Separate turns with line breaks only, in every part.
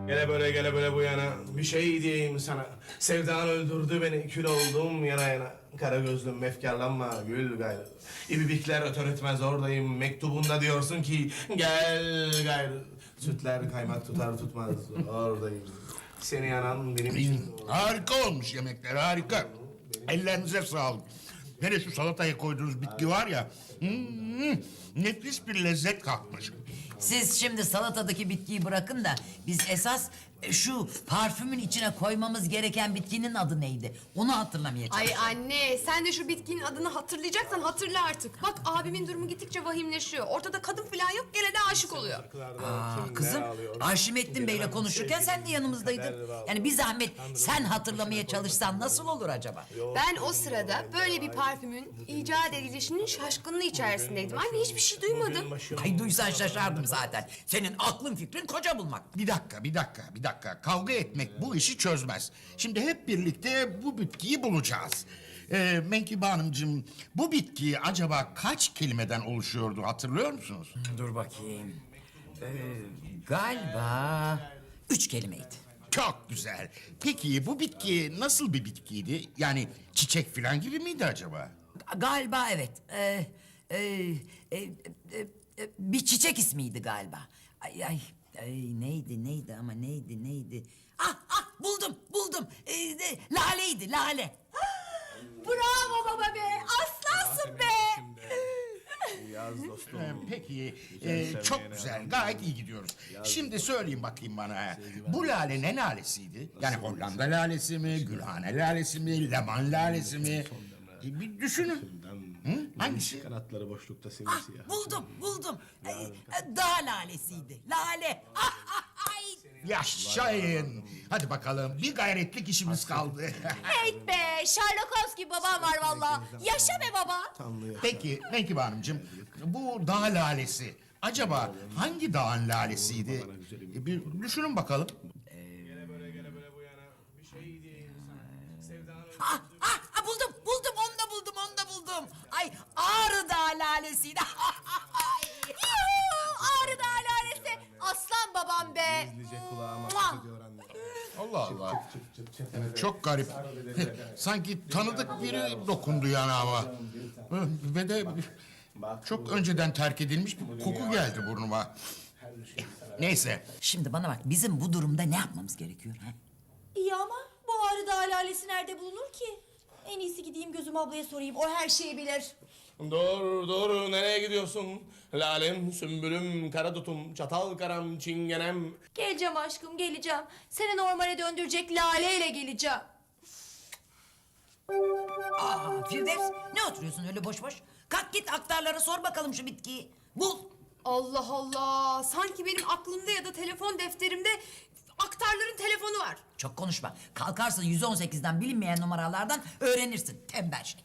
Gele böyle bu yana. Bir şey diyeyim sana. Sevdan öldürdü beni. Kül oldum yana yana. Kara gözlüm efkarlanma gül gayrı. İbibikler öter etmez oradayım. Mektubunda diyorsun ki gel gayrı. Sütler kaymak tutar tutmaz oradayım. Seni yanan benim için.
Harika olmuş yemekler, harika. Ellerinize sağlık. Hele şu salataya koyduğunuz bitki var ya... nefis bir lezzet katmış.
Siz şimdi salatadaki bitkiyi bırakın da biz esas şu parfümün içine koymamız gereken bitkinin adı neydi? Onu hatırlamaya çalışıyorum.
Ay anne sen de şu bitkinin adını hatırlayacaksan hatırla artık. Bak abimin durumu gittikçe vahimleşiyor. Ortada kadın falan yok gene de aşık oluyor.
Kızım Arşimettin Bey'le konuşurken sen de yanımızdaydın. Yani bir zahmet sen hatırlamaya çalışsan nasıl olur acaba?
Ben o sırada böyle bir parfümün icat edilişinin şaşkınlığı içerisindeydim. Anne hiçbir şey duymadım.
Ay duysan şaşardım zaten. Senin aklın fikrin koca bulmak.
Bir dakika. Kavga etmek bu işi çözmez. Şimdi hep birlikte bu bitkiyi bulacağız. Menkibe Hanımcığım, bu bitki acaba kaç kelimeden oluşuyordu hatırlıyor musunuz?
Dur bakayım. Galiba 3 kelimeydi.
Çok güzel. Peki bu bitki nasıl bir bitkiydi? Yani çiçek falan gibi miydi acaba?
Galiba evet. Bir çiçek ismiydi galiba. Ay, neydi ama neydi? Buldum. Lale.
Bravo baba be aslansın be.
Yaz dostum.
Peki, çok güzel, gayet iyi gidiyoruz. Şimdi söyleyin bakayım bana, bu lale ne lalesiydi? Yani Hollanda lalesi mi, Gülhane lalesi mi, Leman lalesi mi? Bir düşünün. Hangisi?
Kanatları boşlukta simsiyah.
Buldum. Dağ lalesiydi. Lale. Ay.
Yaşayın. Hadi bakalım, bir gayretlik işimiz kaldı.
Evet be Sherlock Holmes gibi babam var valla. Yaşa be baba.
Peki, Menkibe Hanımcığım, bu dağ lalesi acaba hangi dağın lalesiydi? Bir düşünün bakalım.
Gele böyle bu yana. Bir şey diyeyim sana. Sevdan
Onu da buldum. Ay Ağrı Dağı lalesiydi.
Ağrı Dağı lalesi. Aslan babam be.
gizlice kulağıma
Mua.
ediyor anne.
Allah Allah. Çok garip. Sanki tanıdık biri dokundu yanağıma. Ve de çok önceden terk edilmiş bir koku geldi burnuma. Neyse.
Şimdi bana bak bizim bu durumda ne yapmamız gerekiyor? Ha?
İyi ama bu Ağrı Dağı lalesi nerede bulunur ki? En iyisi gideyim Gözüm ablaya sorayım. O her şeyi bilir.
Dur nereye gidiyorsun? Lalem, sümbülüm, karadutum, çatal karam, çingenem.
Geleceğim aşkım geleceğim. Seni normale döndürecek laleyle geleceğim.
Firdevs ne oturuyorsun öyle boş boş? Kalk git aktarlara sor bakalım şu bitkiyi. Bul.
Allah Allah. Sanki benim aklımda ya da telefon defterimde aktarların telefonu var.
Çok konuşma. Kalkarsın 118'den bilinmeyen numaralardan öğrenirsin. Tembel şey.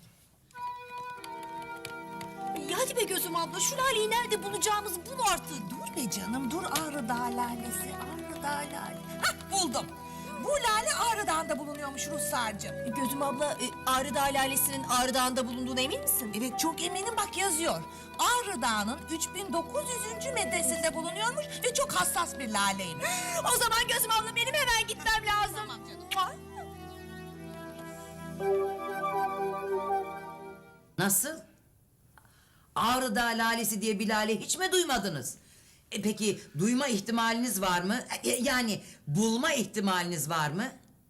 İyi, hadi be Gözüm abla şu laleyi nerede bulacağımızı bul artık.
Dur be canım, dur Ağrı Dağı lalesi, Ağrı Dağı lale.
Hah buldum.
Bu lale Ağrı Dağı'nda bulunuyormuş Ruhsar'cığım.
Gözüm abla Ağrı Dağı lalesinin Ağrı Dağı'nda bulunduğuna emin misin?
Evet, çok eminim, bak yazıyor. Ağrı Dağı'nın 3900. metresinde bulunuyormuş ve çok hassas bir laleymiş.
O zaman Gözüm abla benim hemen gitmem lazım.
Tamam canım.
Ay.
Nasıl? Ağrı Dağı lalesi diye bir lale hiç mi duymadınız? Peki duyma ihtimaliniz var mı? Yani bulma ihtimaliniz var mı?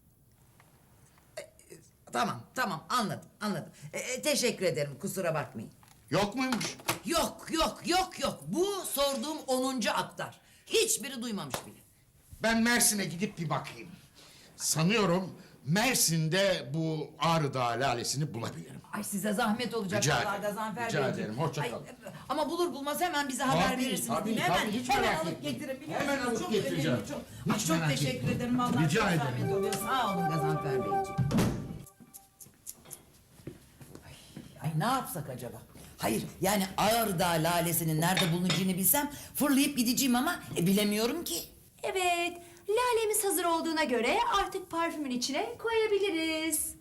Tamam anladım. Teşekkür ederim kusura bakmayın.
Yok muymuş?
Yok. Bu sorduğum 10. aktar. Hiçbiri duymamış bile.
Ben Mersin'e gidip bir bakayım. Sanıyorum Mersin'de bu Ağrı Dağı lalesini bulabilirim.
Ay size zahmet olacak
Rica
vallahi
ederim,
Gazanfer
rica
Beyciğim.
ederim, hoşça
Ay,
kal.
Ama bulur bulmaz hemen bize haber verirsiniz değil mi? Hemen,
hiç
hemen
merak
alıp
etmeyin.
getirin. biliyorsunuz.
Hemen alıp
Çok
getireceğim.
önemli, çok.
Hiç
Çok
merak
teşekkür
etmeyin.
ederim vallahi.
Rica
çok
ederim.
zahmet oluyor. Sağ olun Gazanfer Beyciğim. Ay ne yapsak acaba? Hayır yani Ağrı Dağı lalesinin nerede bulunacağını bilsem fırlayıp gideceğim ama bilemiyorum ki.
Evet. Lalemiz hazır olduğuna göre artık parfümün içine koyabiliriz.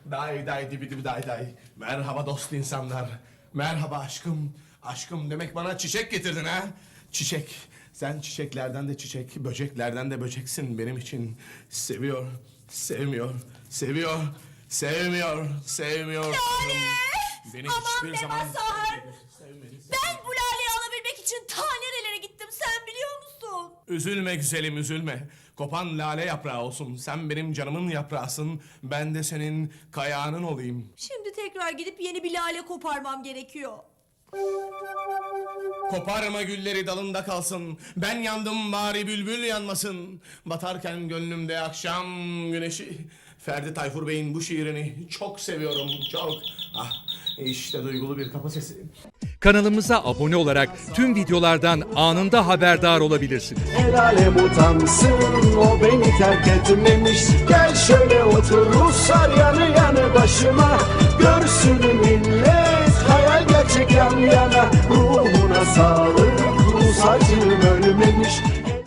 Day day dibi dibi day day. Merhaba dost insanlar. Merhaba aşkım. Aşkım demek bana çiçek getirdin ha? Çiçek. Sen çiçeklerden de çiçek, böceklerden de böceksin benim için. Seviyor, sevmiyor, seviyor, sevmiyor, sevmiyor. Beni hiçbir zaman sevmedi.
Ben bu laleyi alabilmek için ta nerelere gittim sen biliyor musun?
Üzülme güzelim, üzülme. Kopan lale yaprağı olsun. Sen benim canımın yaprağısın. Ben de senin kayağının olayım.
Şimdi tekrar gidip yeni bir lale koparmam gerekiyor.
Koparma gülleri dalında kalsın. Ben yandım bari bülbül yanmasın. Batarken gönlümde akşam güneşi. Ferdi Tayfur Bey'in bu şiirini çok seviyorum, çok. Ah, işte duygulu bir kapı sesi.
Kanalımıza abone olarak tüm videolardan anında haberdar olabilirsiniz.
El alem utansın, o beni terk etmemiş. Gel şöyle otur Ruslar yanı yanı başıma. Görsün millet hayal gerçek yan yana. Ruhuna sağlık Rus acım.